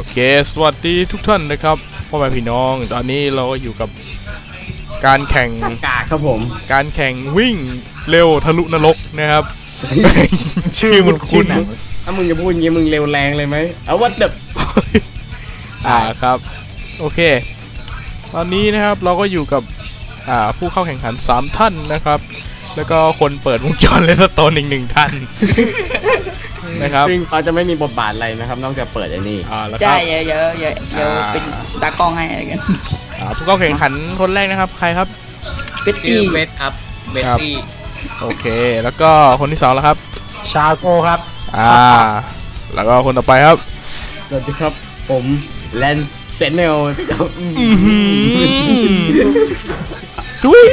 เคสวัสดีทุกท่านนะครับพ่อแม่พี่น้องตอนนี้เราอยู่กับการแข่งกากครับผมการแข่งวิ่งเร็วทะลุนรกนะครับ ชื่อมันคุ้นถ้ามึงจะพูดงี้มึงเร็วแรงเลยไหมเอาวัดเด็บครับโอเคตอนนี้นะครับเราก็อยู่กับผู้เข้าแข่งขัน3ท่านนะครับแล้วก็คนเปิดวงจรเลสโตนอีก1ท่านนะครับซึ่งเขาจะไม่มีบทบาทอะไรนะครับนอกจากเปิดไอ้นี่ใช่เยอะเป็นตากล้องให้อะไรกันผู้เข้าแข่งขันคนแรกนะครับใครครับเบตตี้เบสครับเบสตี้โอเคแล้วก็คนที่2แล้วครับชาโกครับแล้วก็คนต่อไปครับสวัสดีครับผมแลนเซนเนลดุย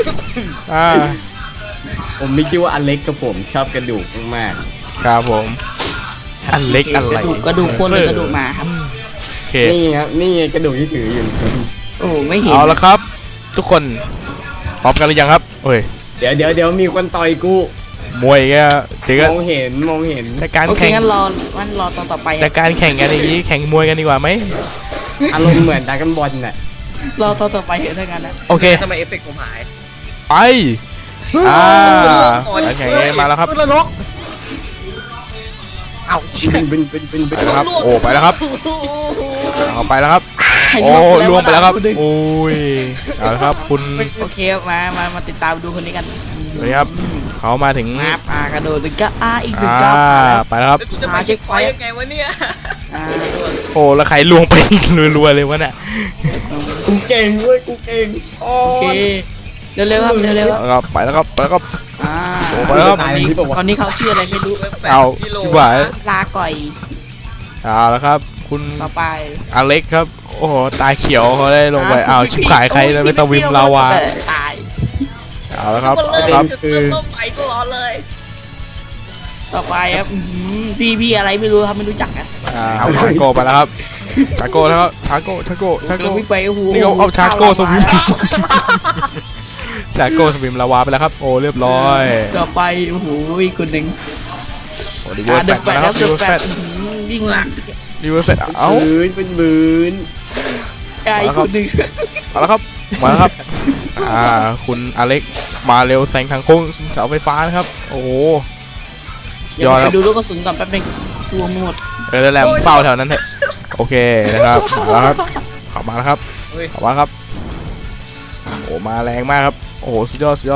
ผมมีชื่อว่าอเล็กครับผมชอบกระดูกมากครับผมอันเล็กอะไรกระดูกคนหรือกระดูกหมาครับนี่ครับนี่กระดูกที่ถืออยู่โอ้ไม่เห็นเอาละครับทุกคนพร้อมกันหรือยังครับโอ้ยเดี๋ยวมีคนต่อยกูมวยแกจริงมองเห็นแต่การแข่งงั้นรอตอนต่อไปแต่การแข่งกันอย่างนี้แข่งมวยกันดีกว่าไหมอารมณ์เหมือนดราก้อนบอลน่ะรอตอนต่อไปเถอะถ้างั้นนะโอเคทำไมเอฟเฟกต์ผมหายไปการแข่งนี้มาแล้วครับเอาเป็นครับโอ้ไปแล้วครับเอาไปแล้วครับโอ้ล่วงไปแล้วครับโอ้ยเอาละครับคุณโอเคมาติดตามดูคนนี้กันนี่ครับเขามาถึงกระโดดถึงก็อีก1 ก้าวไปแล้วครับเช็คไฟยังไงวะเนี่ยโอ้แล้วใครล่วงไปรัวๆเลยวะเนี่ยกูเก่งเว้ยกูเก่งโอเคเร็วๆครับเร็วๆครับไปแล้วครับไปแล้วครับไปแล้วครับตอนนี้เขาชื่ออะไรไม่รู้เอาชิบหายลาก่อยแล้วครับคุณต่อไปอเล็กครับโอ้โหตาเขียวเขาได้ลงไปชิบหายใครเลยไม่ต้องวิมลาวาตายเอาแล้วครับคือไปตลอดเลยต่อไปครับพี่อะไรไม่รู้ครับไม่รู้จักอ่ะชาโก้ไปแล้วครับชาโก้แล้วชาโก้วิ่งไปโอ้โหนี่เอาชาโก้สวิมชาโก้สวิมลาวาไปแล้วครับโอ้เรียบร้อยต่อไปโอ้โหอีกคนหนึ่งดีเวอร์แฟตนะครับดีเวอร์แฟตวิ่งหลังดีเวอร์แฟตเอาเป็นบืนอีกคนหนึ่งมาแล้วครับคุณอเล็กมาเร็วแซงทางโค้งเสาไฟฟ้านะครับโอ้โหยอดดูลูกกระสุนก่อนแป๊บนึงตัวหมดแล้วแหลมเป้าแถวนั้นเถอะโอเคนะครับมาแล้วครับขับมาแล้วครับขับมาครับโอ้มาแรงมากครับโอ้โหสุดยอด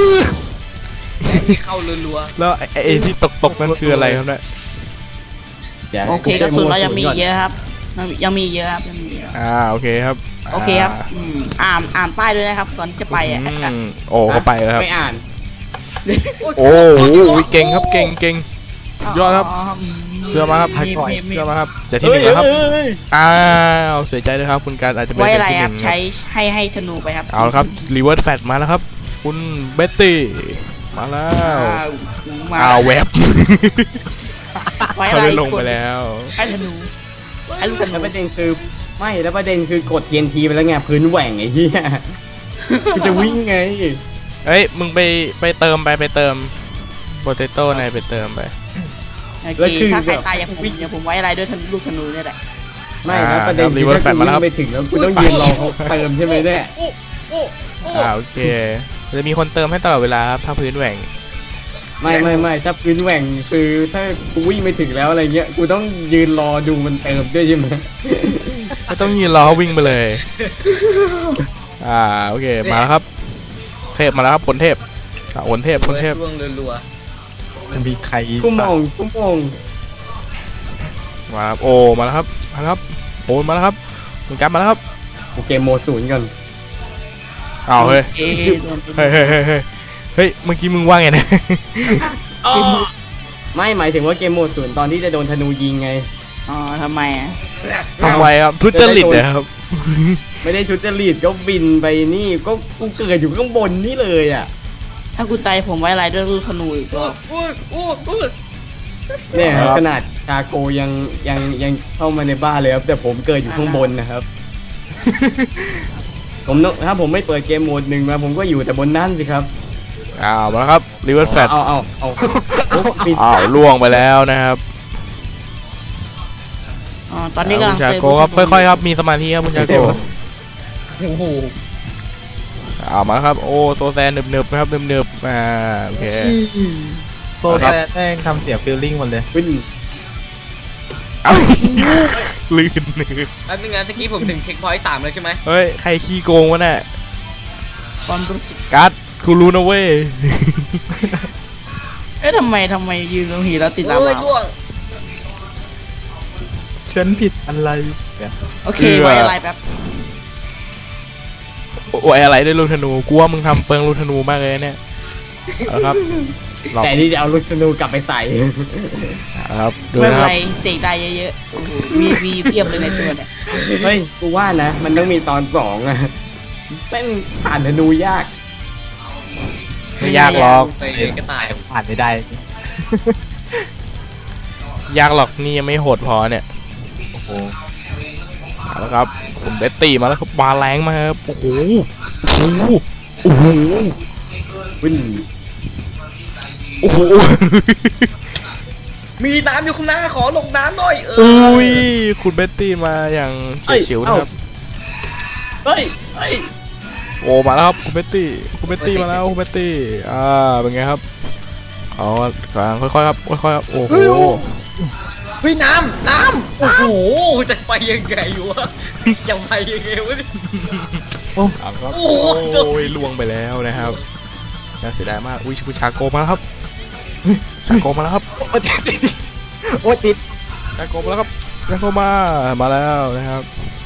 เข้ารัวๆแล้วไอ้ที่ตกนั่นคืออะไรครับเนี่ยโอเคกระสุนเรายังมีเยอะครับยังมีเยอะครับโอเคครับโอเคครับอ่านป้ายด้วยนะครับก่อนจะไปโอ้เขาไปแล้วครับไม่อ่านโอ้โหเก่งครับเก่งยอดครับเชื่อมาครับเชื่อมาครับจะที่1แล้วครับเสียใจด้วยครับคุณการอาจจะไม่ได้ที่1ครับใช้ให้ธนูไปครับเอาละครับรีเวิร์สแฟตมาแล้วครับคุณเบตตี้มาแล้วแวบเขาได้ลงไปแล้วให้ธนูแล้วประเด็นคือไม่แล้วประเด็นคือกด TNT ไปแล้วไงพื้นแหว่งไอ้เหี้ยจะวิ่งไงเฮ้ยมึงไปเติมโปเตโต้ในไปเติมไปโอเคถ้าใครตายอย่าผมไว้อะไรด้วยลูกธนูนี่แหละไม่นะประเด็นคือถ้ากูวิ่งไปถึงแล้วกูต้องยืนรอเขาเติมใช่ไหมเนี่ยโอเคจะมีคนเติมให้ตลอดเวลาครับถ้าพื้นแหว่งไม่ถ้าพื้นแหว่งคือถ้ากูวิ่งไปถึงแล้วอะไรเงี้ยกูต้องยืนรอดูมันเติมด้วยใช่ไหมไม่ต้องยืนรอวิ่งไปเลยโอเคมาแล้วครับเทพมาแล้วครับผลเทพผลเทพรัวจะมีใครกูมองมาครับโอ้มาแล้วครับโอ้มาแล้วครับคุณการมาแล้วครับโอเคโมด0กันเฮ้ยเมื่อกี้มึงว่าไงเนี่ยไม่หมายถึงว่าเกมโหมด0ตอนที่จะโดนธนูยิงไงทำไมครับทุจริตนะครับไม่ได้ทุจริตก็บินไปนี่ก็กูเกิดอยู่ข้างบนนี่เลยอ่ะถ้ากูตายผมไว้อะไรด้วยลูกธนูอีกก็เนี่ยขนาดชาโกยังเข้ามาในบ้านเลยครับแต่ผมเกิดอยู่ข้างบนนะครับถ้าผมไม่เปิดเกมโหมด1มาผมก็อยู่แต่บนนั่นสิครับมาครับรีเวิร์สแฟตเอาล่วงไปแล้วนะครับตอนนี้กำลัคุงณชาเติมโกครับค่อยๆครับมีสมาธิครับคุณชาโกโอ้โหเอามาครับโอ้โซแซนเนิบๆนะครับเนิบๆโอเคโซแซนแม่งทำเสียฟีลลิ่งหมดเลยวิ่งเอาลื่นแป๊บนึงนะตะกี้ผมถึงเช็คพอยต์3แล้วใช่ไหมเฮ้ยใครขี้โกงวะเนี่ยความรู้สึกกัดกูรู้นะเว้ยเอ๊ะทำไมยืนตรงหีแล้วติดลาโอ้ยวาล่วงฉันผิดอะไรเนี่ยโอเคไว้อะไรแป๊บโอ้ยอะไรได้ลูกธนูกูว่ามึงทำเปิงลูกธนูมากเลยเนี่ยเอาละครับหลอกแต่นี่จะเอาลูกธนูกลับไปใส่ครับดูไม่นะเป็นครัไรบเสกได้เยอะๆโอ้โหมีเพียบเลยในตัวเนี่ยเฮ้ยกูว่านะมันต้องมีตอน2อะแม่งผ่านธนูยากไม่ยากหรอกไปกระต่ายผ่านไม่ได้ยากหรอกนี่ยังไม่โหดพอเนี่ยโอ้โหเอาละครับผมเบตตี้มาแล้วครับมาแรงมากครับโอ้โหโอ้โหโอ้โหวิ่งโอ้โหมีน้ำอยู่ข้างหน้าขอลงน้ำหน่อยอุ้ยคุณเบตตี้มาอย่างเฉียดฉิวนะครับเฮ้ยเฮ้ยโอ้มาแล้วครับคุณเบตตี้มาแล้วคุณเบตตี้เป็นไงครับเอากลางค่อยๆครับค่อยๆครับโอ้โหเฮ้ยน้โอ้โหจะไปยังไงวะจะไปยังไงวะเนี่ยเอาครับโอ้โอ้โหยล่วงไปแล้วนะครับน่าเสียดายมากอุ้ยคุณชาโกมาแล้วครับชาโกมาแล้วครับำโอ้ติดโอ้ติดชาโกมาแล้วครับชาโกมาแล้วนะครับ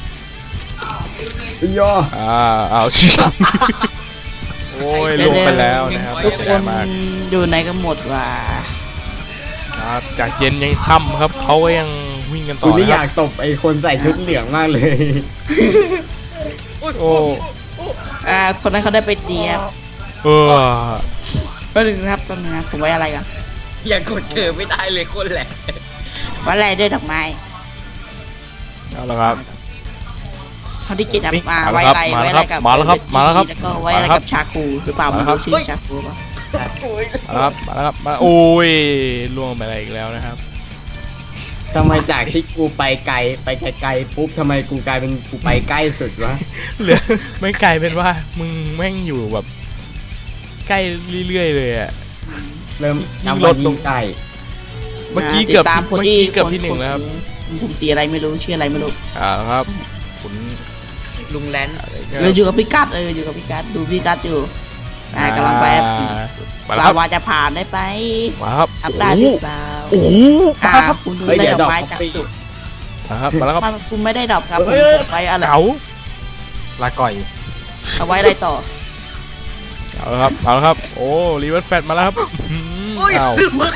วิ่งย่อเอาโอ้ยล่วงไปแล้วนะครับทุกเสียคดายนมากอยู่ไหนกันหมดว่ะครับจากเย็นยังค่ำครับเขาก็ยังวิ่งกันต่กูอนี่นะอคยารับกตบไอ้คนใส่ชุดเหลืองมากเลยโอ้คนนั้นเขาได้ไปเตรียมเออก็ถึงครับตอนนี้ผมไว้อะไรกันยังกดเกิดไม่ได้เลยคนแหละไว้อะไรด้วยดอกไม้เอาละครับเขาที่เจ็ดครับมามาไว้แล้วครับอะไรมาแล้วครับไว้อะไรกับมาแล้วครับแล้วก็ไว้อะไรกับชาคูหรือเปล่ามาไม่แล้วครับรู้ชื่อชาคูป่ะมาแล้วครับมาโอ้ยล่วงไปอะไรอีกแล้วนะครับทำไมจากที่กูไปไกลไปไกลๆปุ๊บทำไมกูกลายเป็นกูไปใกล้สุดวะเหลือไม่กลายเป็นว่ามึงแม่งอยู่แบบใกล้เรื่อยๆเลยอ่ะเริ่มยิ่งนำลมาดลยิงงไก่เมื่อกี้เกือบติดตามคนเมื่อที่กี้เกือบที่หนึ่งแล้วครับผมสีอะไรไม่รู้ชื่ออะไรไม่รู้ครับคุณลุงแลนเราอยู่กับพี่กัดอยู่กับพี่กัดดูพี่กัดอยู่กำลังไปมาแล้วครับวาจะผ่านได้ไปมาครับทำได้หรือเปล่าโอ้โหมาครับคุณเฮ้ยได้เดี๋ยวดดออก กไม้คอจากฟฟี่สุดมาครับมาแล้วครับคุณไม่ได้ดอกครับผมไว้อะไรเก๋าลาก่อยเอาไว้อะไรต่อเอาละครับเอาละครับโอ้รีเวิร์สแฟตมาแล้วครับเอา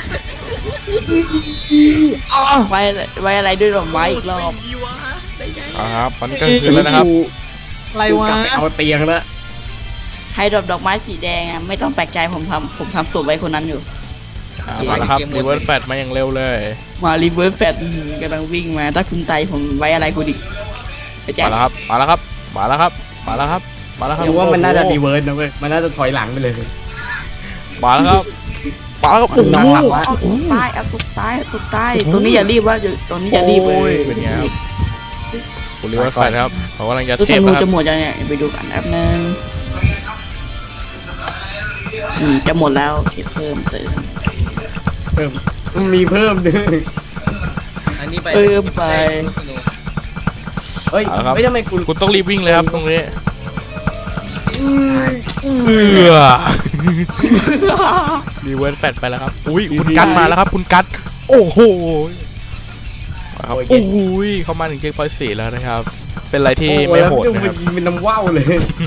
ไว้อะไรด้วยดอกไม้อีกรอบดีวะได้ไงเอาละครับตอนนี้กลางคืนแล้วนะครับอะไรกูวะกลับไปเอาเตียงแล้วให้ดอกไม้สีแดงไม่ต้องแปลกใจผมทำศพไว้คนนั้นอยู่มาแล้วครับรีเวิร์สแฟตมาอย่างเร็วเลยมารีเวิร์สแฟตกำลังวิ่งมาถ้าคุณตายผมไว้อะไรคุณอีกไปแจ้มาแล้วครับมาแล้วครับมาแล้วครับมาแล้วครับมาแล้วครับยังว่ามันน่าจะโอ้โหรีเวิร์สนะเว้ยมันน่าจะถอยหลังไปเลยมาแล้วครับมาแล้วครับโอ้โหหลังวะเอาตุกตายเอาตุกตายตรงนี้อย่ารีบว่าตรงนี้อย่ารีบเลโอ้ยเป็นไงครับคุณรีเวิร์สแฟตครับเขากำลังจะตู้เทธปนูนะครัจะบหมดยังเนี่ยไปดูกันแป๊บนึงจะหมดแล้วโอเคเพิ่มเติมเพิ่มมีเพิ่มด้วยอันนี้ไปเพิ่มไปเฮ้ยเอาละครับไม่ทำไมกูคุณต้องรีบวิ่งเลยครับตรงนี้รีเวิร์สแฟตไปแล้วครับอุ้ยคุณกัดมาแล้วครับคุณกัดโอ้โหครับโอ้โหเข้ามาถึงเช็คพอยต์4แล้วนะครับ เป็นอะไรที่ไม่โหดแล้วนะครับมันยิงเป็นน้ำว่าวเลย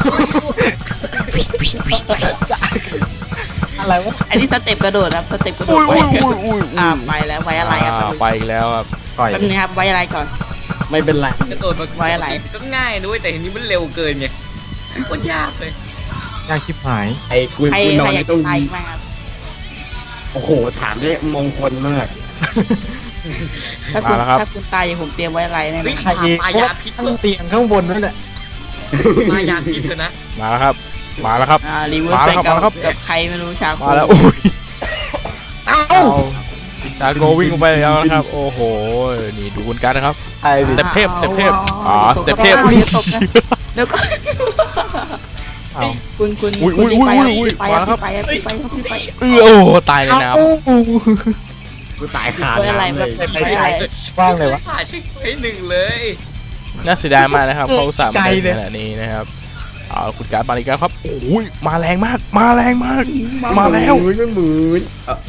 อะไรวะอันนี้สเต็ปกระโดดครับสเต็ปกระโดดไปไปแล้วไว้อะไรครับไปอีกแล้วครับก่อยแป๊บนึงครับไว้อะไรก่อนไม่เป็นไรกระโดดมาไว้อะไรก็ง่ายด้วยแต่ทีนี้มันเร็วเกินไงโคตรยากเลยยากชิบหายไอ้กูใครกูนอนอในยากตรจะงตายนี้มากครับโอ้โหถามได้มงคลมากถ้าคุณตายอย่างผมเตรียมไว้อะไรแน่นอนใครเองก็ตั้งเตียงข้างบนนั่นแหละมายาพิษเถอะนะมาแล้วครับมาแล้วครับรีเวิร์สมาแฟแล้วครับมาแล้วครับกับใครไม่รู้ชาโคมาแล้วโอ้ยเอ้าเชาโกวิ่งลงไปแล้วนะครับ โอ้โหนี่ดูคุณการนะครับไอ้ดิสเต็ปเทพสเต็ปเทพอ๋อสเต็ปเทพอย่าตกนะเดี๋ยวก็เอาคุณอุ้ยรีบไปครับอุ้ยรีบไปมาครับไปครับรีบไปครับรีบไปโอ้โหตายในน้กูตายขาดไม่อะไรน้ำแบเลบยไม่อะไรว่างเลยวะผ่านเช็คไว้หนึ่งเลยำน่าเสียดายมากนะครับเขาอุตสาห์มาไกลได้เลยขนาดนี้นะครับเอาคุณการมาอีกแล้วครับโอ้ยมาแรงมากมาแรงมาก มาแล้วมันหมุน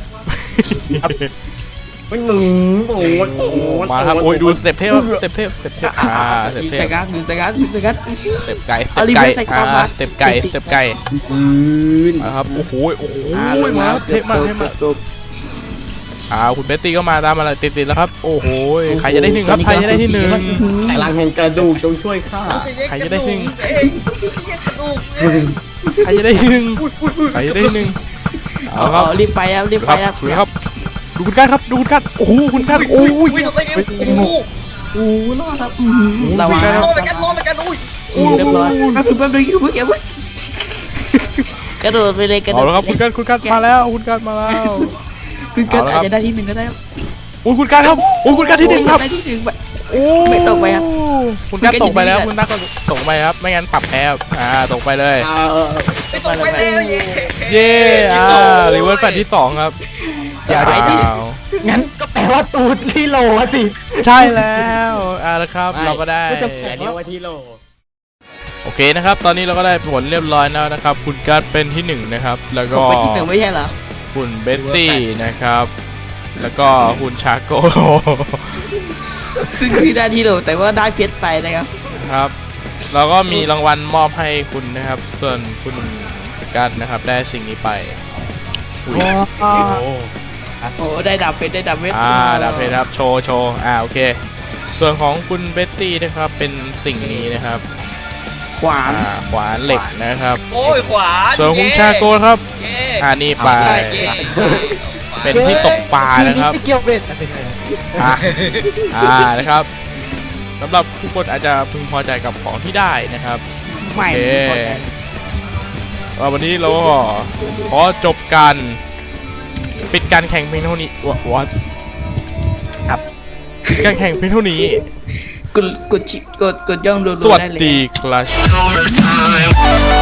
มันหมุนโอ้ยมาครับโอ้ยดูสเต็ปเทพครับสเต็ปเทพสเต็ปเทพสเต็ปดูเทสพกัดดูสกัดดูสกัดสเต็ปไก่สเอาเต็ปรีไก่เวิร์สใส่ต่อมาสเต็ปไก่สเต็ปไก่ปืนมาครับโอ้โหโอ้โหลงมาแล้วเทพมากเทพมากจบคุณเบตตี้ก็มาตามมาเลยติดๆแล้วครับโอ้โหใครจะได้หนึ่งครับใครจะได้ที่หนึ่งพลังแห่งกระดูกจงช่วยข้าใครจะได้หนึ่งเองแยกกระดูกเองใครจะได้ที่หนึ่งใครจะได้ที่หนึ่งเอาครับรีบไปครับรีบคไปรับครับดูครับดูคุณการครับดูคุณการโอ้โหคุณการโอ้ยอุ้ยทำไมเนี่ยโอ้โหโอ้รอดครับระวังรอไปกันรอไปกันอุ้ยเรียบร้อยแป๊บนึงอย่าเพิ่งกระโดดไปเลยกระโดเอาดแล้วครับคุณการมาแล้วคุณการมาแล้วคุณกันอาจจะได้ที่หนึ่งก็ได้โอ้ยคุณการครับโอ้ยคุณการที่หนึ่งครับได้ที่หนึ่งไปโอ้ไม่ตกไปครับคุณการตกไปแล้วคุคุณณนัการกก็ตกไปครับไม่งั้นปรับแพ้ครับตกไปเลยไม่ตกไปแล้วเย่เย้รีเวิร์สแฟนที่สองครับเดี๋ยวไปที่อ้าวงั้นก็แปลว่าตูดที่โหลอะสิใช่แล้วแล้วครับเราก็ได้แต่เรียกว่าที่โลโอเคนะครับ ตอนนี้เราก็ได้ผลเรียบร้อยแล้วนะครับ คุณการ์ดเป็นที่หนึ่งนะครับ แล้วผก็มไปที่หนึ่งไม่ใช่เหรอคุณเบตตี้นะครับ แล้วก็คุณชาโกซึ่งคือได้ที่โหลแต่ว่าได้เพชรไปนะครับครับเราก็มีรางวัลมอบให้คุณนะครับ ส่วนคุณการ์ดนะครับได้สิ่งนี้ไปอุ๊ยโอ้โอ้ได้ดับเพชรได้ดับเพชรดาบเพชรครับโชว์โอเค ส่วนของคุณเบตตี้นะครับเป็นสิ่งนี้นะครับขวานขวานเหล็กนะครับโอ้ยขวาส่วนคุณชาโกครับเย่นี่ไปเย่เป็นที่ตกปลานะครับไม่เกี่ยวเบ็ดไม่ใช่นะครับสำหรับผู้คนอาจจะพึงพอใจกับของที่ได้นะครับใหม่โอเควันนี้เราก็ขอจบการปิดการแข่งเพียงเท่านี้วัดครับปิดการแข่งเพียงเท่านี้กดย่องดูสวัสได้เลยดีครับ